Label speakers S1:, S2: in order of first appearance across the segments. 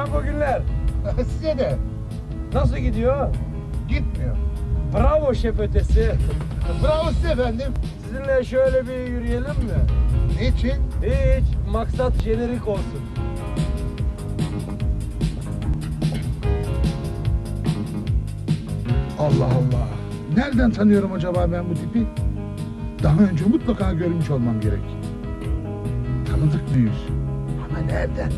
S1: o günler.
S2: Size de
S1: Nasıl gidiyor?
S2: gitmiyor.
S1: Bravo şef ötesi.
S2: Bravo size efendim.
S1: Sizinle şöyle bir yürüyelim mi?
S2: Niçin?
S1: Hiç. Maksat jenerik olsun.
S2: Allah Allah. Nereden tanıyorum acaba ben bu tipi? Daha önce mutlaka görmüş olmam gerek. Tanıdık bir yüz. Ama nereden?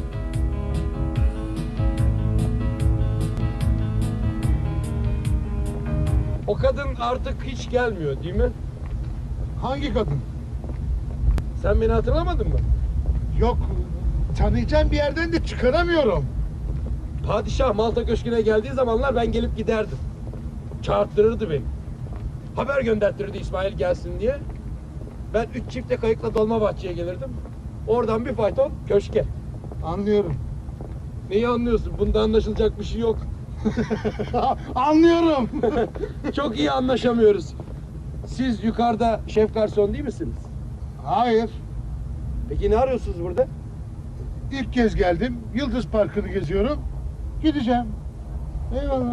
S1: O kadın artık hiç gelmiyor değil mi?
S2: Hangi kadın?
S1: Sen beni hatırlamadın mı?
S2: Yok. Tanıyacağım bir yerden de çıkaramıyorum.
S1: Padişah Malta Köşkü'ne geldiği zamanlar ben gelip giderdim. Çağırttırırdı beni. Haber gönderttirirdi İsmail gelsin diye. Ben 3 çifte kayıkla Dolmabahçe'ye gelirdim. Oradan bir fayton köşke.
S2: Anlıyorum.
S1: Neyi anlıyorsun? Bunda anlaşılacak bir şey yok.
S2: Anlıyorum.
S1: Çok iyi anlaşamıyoruz. Siz yukarıda şef garson değil misiniz?
S2: Hayır.
S1: Peki ne arıyorsunuz burada?
S2: İlk kez geldim. Yıldız Parkı'nı geziyorum. Gideceğim. Eyvallah.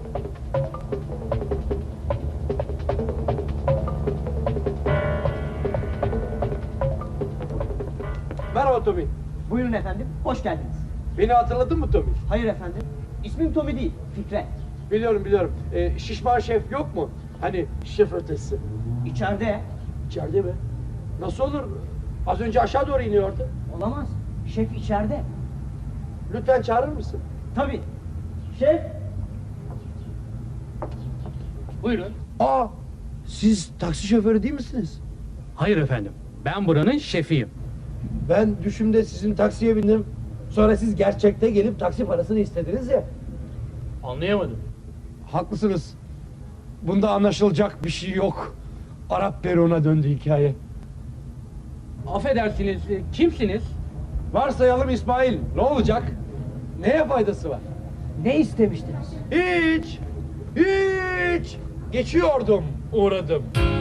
S1: Merhaba Tommy.
S3: Buyurun efendim, hoş geldiniz.
S1: Beni hatırladın mı Tommy?
S3: Hayır efendim, ismim Tommy değil, Fikret.
S1: Biliyorum. Şişman şef yok mu? Hani şef ötesi.
S3: İçeride.
S1: İçeride mi? Nasıl olur? Az önce aşağı doğru iniyordu.
S3: Olamaz, şef içeride.
S1: Lütfen çağırır mısın?
S3: Tabii. Şef.
S4: Buyurun.
S1: Aa, siz taksi şoförü değil misiniz?
S4: Hayır efendim. Ben buranın şefiyim.
S1: Ben düşümde sizin taksiye bindim. Sonra siz gerçekte gelip taksi parasını istediniz ya.
S4: Anlayamadım.
S1: Haklısınız. Bunda anlaşılacak bir şey yok. Arap peruğuna döndü hikaye.
S4: Affedersiniz, kimsiniz?
S1: Varsayalım İsmail. Ne olacak? Neye faydası var?
S3: Ne istemiştiniz?
S1: Hiç. Geçiyordum, uğradım.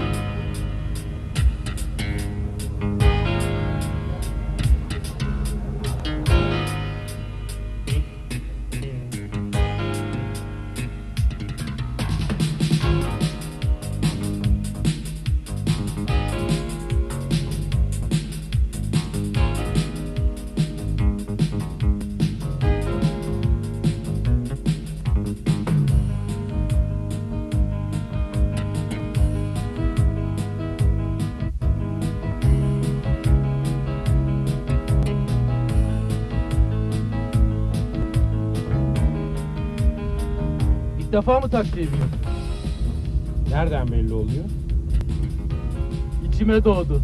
S1: İlk defa mı taksiye biniyorsun? Nereden belli oluyor? İçime doğdu.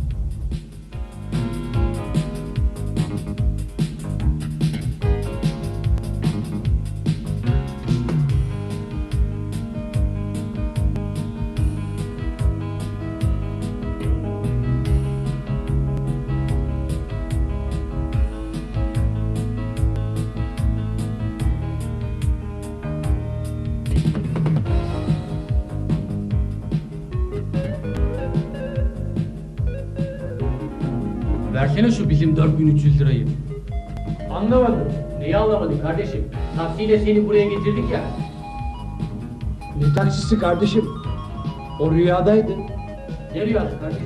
S4: Versene şu bizim 4300 lirayı.
S1: Anlamadım.
S4: Neyi anlamadın kardeşim? Taksiyle seni buraya getirdik ya.
S1: Ne taksisi kardeşim? O rüyadaydı.
S4: Ne rüyası kardeşim?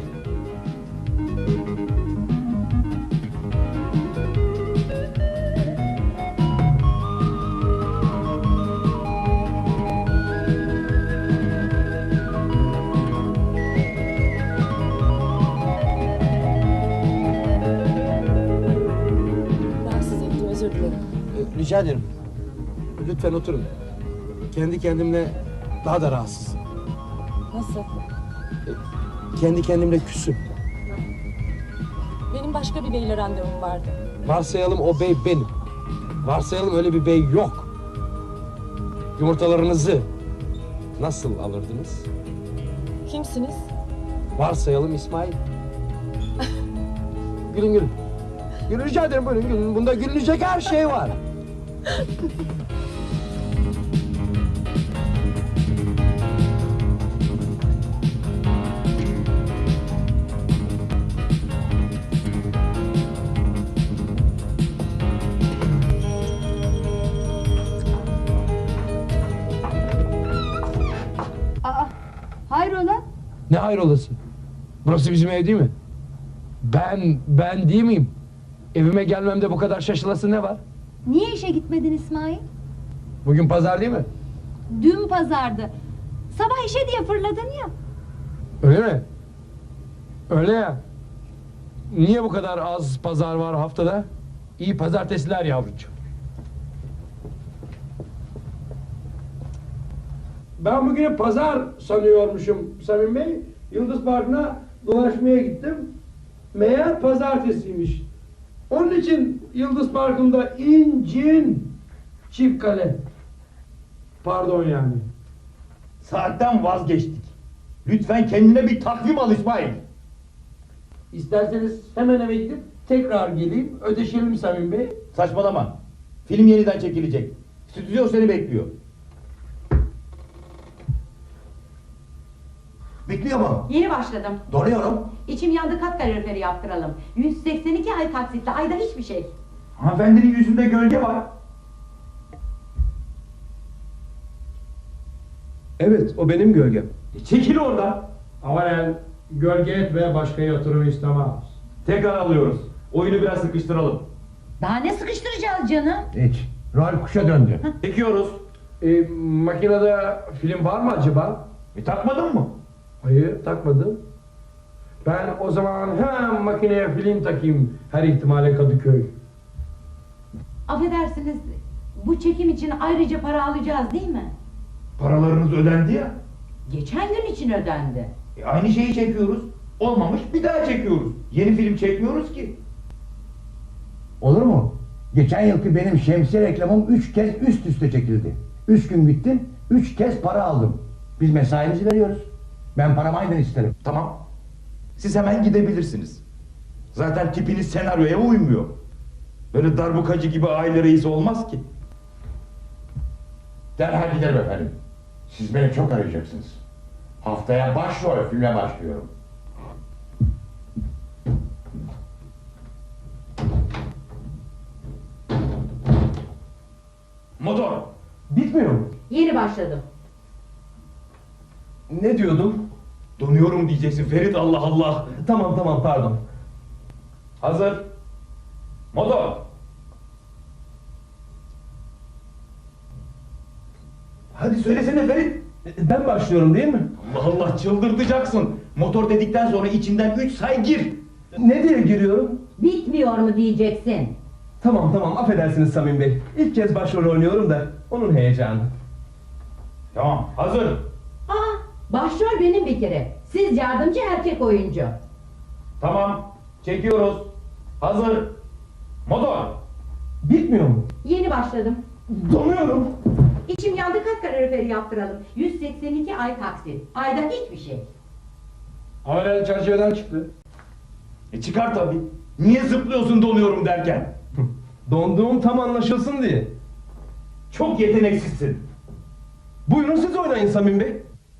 S5: Rahatsız ettim, özür dilerim.
S1: Rica ederim. Lütfen oturun. Kendi kendimle daha da rahatsızım.
S5: Nasıl?
S1: Kendi kendimle küsüm.
S5: Benim başka bir beyle randevum vardı.
S1: Varsayalım o bey benim. Varsayalım öyle bir bey yok. Yumurtalarınızı nasıl alırdınız?
S5: Kimsiniz?
S1: Varsayalım İsmail. Gülün. Gülün, rica ederim, buyurun gülün. Bunda gülünecek her şey var. Ne hayrolası? Burası bizim ev değil mi? Ben değil miyim? Evime gelmemde bu kadar şaşılası ne var?
S6: Niye işe gitmedin İsmail?
S1: Bugün pazar değil mi?
S6: Dün pazardı. Sabah işe diye fırladın ya.
S1: Öyle mi? Öyle ya. Niye bu kadar az pazar var haftada? İyi pazartesiler yavrucuğum. Ben bugün pazar sanıyormuşum Samim Bey. Yıldız Parkı'na dolaşmaya gittim. Meğer pazartesiymiş. Onun için Yıldız Parkı'nda incin çift kale. Pardon yani.
S7: Saatten vazgeçtik. Lütfen kendine bir takvim al İsmail.
S1: İsterseniz hemen eve gidip tekrar geleyim. Ödeşelim Samim Bey.
S7: Saçmalama. Film yeniden çekilecek. Stüdyo seni bekliyor. Bekliyor mu?
S8: Yeni başladım.
S7: Donuyorum.
S8: İçim yandı, kat kaloriferi yaptıralım. 182 ay taksitle, ayda hiçbir şey.
S7: Hanımefendinin yüzünde gölge var.
S1: Evet, o benim gölgem.
S7: Çekil oradan.
S1: Aman gölge etme, başka yatırım istemez.
S7: Tekrar alıyoruz. Oyunu biraz sıkıştıralım.
S8: Daha ne sıkıştıracağız canım?
S7: Hiç. Rol kuşa döndü. Çekiyoruz.
S1: Makinede film var mı acaba?
S7: Takmadın mı?
S1: Hayır, takmadım. Ben o zaman hemen makineye film takayım, her ihtimale Kadıköy.
S8: Affedersiniz, bu çekim için ayrıca para alacağız değil mi?
S7: Paralarınız ödendi ya.
S8: Geçen gün için ödendi.
S7: Aynı şeyi çekiyoruz. Olmamış bir daha çekiyoruz. Yeni film çekmiyoruz ki.
S9: Olur mu? Geçen yılki benim şemsiye reklamım 3 kez üst üste çekildi. 3 gün gittim, 3 kez para aldım. Biz mesaimizi veriyoruz. Ben paramı aynen isterim.
S7: Tamam. Siz hemen gidebilirsiniz. Zaten tipiniz senaryoya uymuyor. Böyle darbukacı gibi aile reisi olmaz ki.
S9: Derhal giderim efendim. Siz beni çok arayacaksınız. Haftaya başrol filme başlıyorum.
S7: Motor.
S1: Bitmiyor mu?
S8: Yeni başladım.
S1: Ne diyordum?
S7: Donuyorum diyeceksin Ferit, Allah Allah.
S1: Tamam, pardon.
S7: Hazır. Motor. Hadi söylesene Ferit.
S1: Ben başlıyorum değil mi?
S7: Allah Allah, çıldırtacaksın. Motor dedikten sonra içinden 3 say gir.
S1: Ne diye giriyorum?
S8: Bitmiyor mu diyeceksin?
S10: Tamam, affedersiniz Samim Bey. İlk kez başrol oynuyorum da onun heyecanı.
S7: Tamam, hazır.
S8: Aa, başrol benim bir kere. Siz yardımcı erkek oyuncu.
S7: Tamam, çekiyoruz. Hazır. Motor.
S10: Bitmiyor mu?
S8: Yeni başladım.
S10: Donuyorum.
S8: İçim yandı, kat kaloriferi yaptıralım. 182 ay taksit, ayda hiçbir şey.
S1: Aman çerçeveden çıktı.
S7: Çıkar tabii. Niye zıplıyorsun donuyorum derken?
S10: Donduğum tam anlaşılsın diye.
S7: Çok yeteneksizsin.
S10: Buyurun siz oynayın Samim Bey.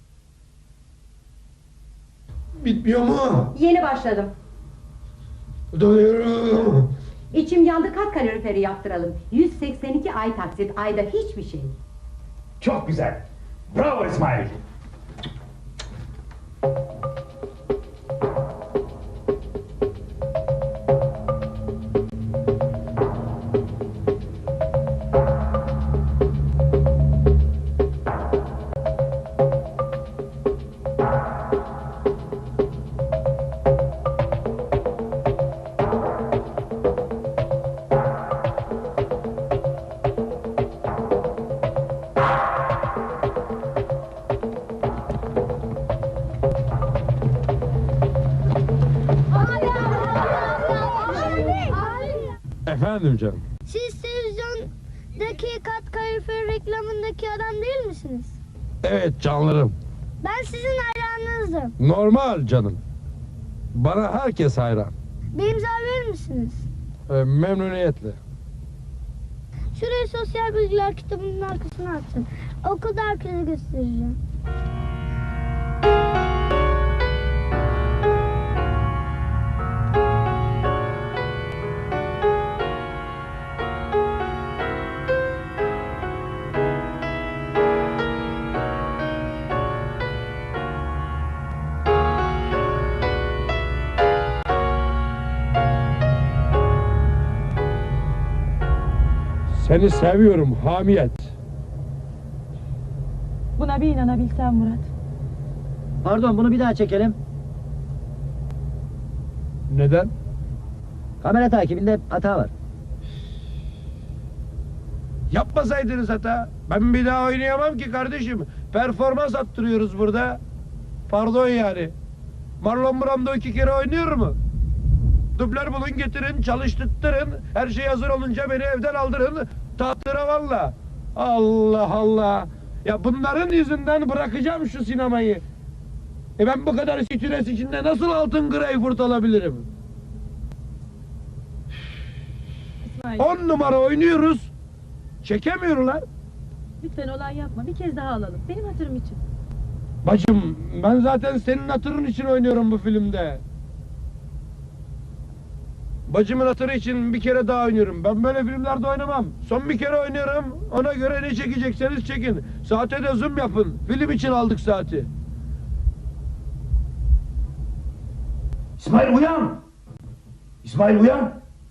S1: Bitmiyor mu?
S8: Yeni başladım.
S1: Donuyorum.
S8: İçim yandı, kat kaloriferi yaptıralım. 182 ay taksit, ayda hiçbir şey.
S7: Çok güzel. Bravo İsmail.
S1: Efendim canım.
S11: Siz televizyondaki kat kalorifer reklamındaki adam değil misiniz?
S1: Evet canlarım.
S11: Ben sizin hayranınızım.
S1: Normal canım. Bana herkes hayran.
S11: Bir imza verir misiniz?
S1: Memnuniyetle.
S11: Şuraya sosyal bilgiler kitabının arkasına atın. Okulda herkese göstereceğim.
S1: Seni seviyorum Hamiyet.
S5: Buna bir inanabilsem Murat.
S3: Pardon, bunu bir daha çekelim.
S1: Neden?
S3: Kamera takibinde hata var.
S1: Yapmasaydınız hata. Ben bir daha oynayamam ki kardeşim. Performans attırıyoruz burada. Pardon yani. Marlon Brando 2 kere oynuyor mu? Dublör bulun getirin, çalıştırtırın. Her şey hazır olunca beni evden aldırın. Tahtıra valla. Allah Allah. Ya bunların yüzünden bırakacağım şu sinemayı. Ben bu kadar stres içinde nasıl altın greyfurt alabilirim?
S5: İsmail,
S1: 10 numara oynuyoruz. Çekemiyorlar.
S5: lütfen olay yapma. Bir kez daha alalım. Benim hatırım için.
S1: Bacım, ben zaten senin hatırın için oynuyorum bu filmde. Bacımın hatırı için bir kere daha oynuyorum. Ben böyle filmlerde oynamam. Son bir kere oynuyorum. Ona göre ne çekecekseniz çekin. Saate de zoom yapın. Film için aldık saati.
S7: İsmail uyan! İsmail uyan!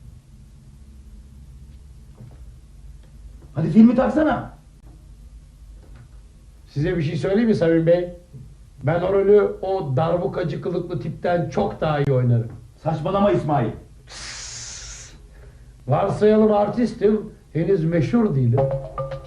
S7: Hadi filmi taksana.
S1: Size bir şey söyleyeyim mi Samim Bey? Ben o rolü o darbukacı kılıklı tipten çok daha iyi oynarım.
S7: Saçmalama İsmail.
S1: Varsayalım artistim, henüz meşhur değilim.